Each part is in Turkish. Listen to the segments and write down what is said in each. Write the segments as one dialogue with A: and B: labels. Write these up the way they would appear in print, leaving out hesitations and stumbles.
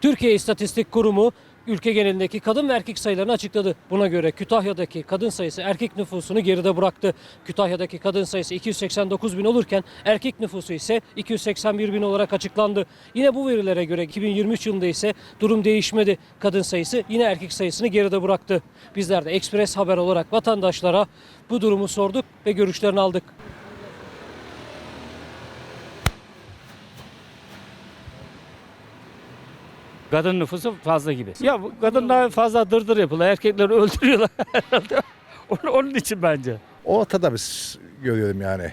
A: Türkiye İstatistik Kurumu ülke genelindeki kadın ve erkek sayılarını açıkladı. Buna göre Kütahya'daki kadın sayısı erkek nüfusunu geride bıraktı. Kütahya'daki kadın sayısı 289 bin olurken erkek nüfusu ise 281 bin olarak açıklandı. Yine bu verilere göre 2023 yılında ise durum değişmedi. Kadın sayısı yine erkek sayısını geride bıraktı. Bizler de Ekspres Haber olarak vatandaşlara bu durumu sorduk ve görüşlerini aldık.
B: Kadın nüfusu fazla gibi. Ya bu kadınlar fazla dırdır yapıyorlar. Erkekleri öldürüyorlar herhalde. Onun için bence.
C: Ortada biz görüyorum yani.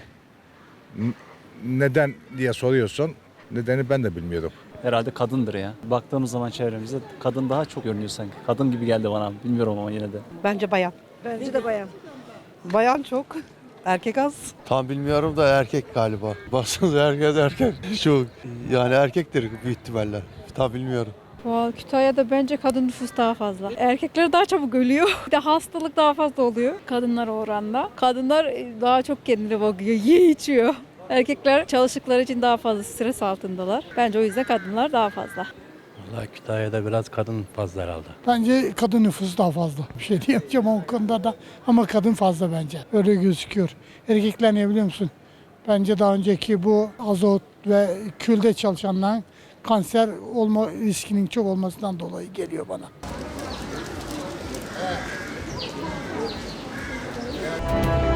C: Neden diye soruyorsun. Nedeni ben de bilmiyorum.
D: Herhalde kadındır ya. Baktığımız zaman çevremizde kadın daha çok görünüyor sanki. Kadın gibi geldi bana. Bilmiyorum ama yine de.
E: Bence bayan.
F: Bence de bayan.
E: Bayan çok. Erkek az.
G: Tam bilmiyorum da erkek galiba. Baksanıza herkes erkek. Şu yani erkektir büyük ihtimalle. Tam bilmiyorum.
F: Kütahya'da bence kadın nüfus daha fazla. Erkekler daha çabuk ölüyor. Bir de hastalık daha fazla oluyor kadınlara oranla. Kadınlar daha çok kendine bakıyor, yiyor, içiyor. Erkekler çalıştıkları için daha fazla stres altındalar. Bence o yüzden kadınlar daha fazla.
H: Vallahi Kütahya'da biraz kadın fazla herhalde.
I: Bence kadın nüfusu daha fazla. Bir şey diyemeyeceğim o konuda da ama kadın fazla bence. Öyle gözüküyor. Erkekler ne biliyor musun? Bence daha önceki bu azot ve külde çalışanların kanser olma riskinin çok olmasından dolayı geliyor bana.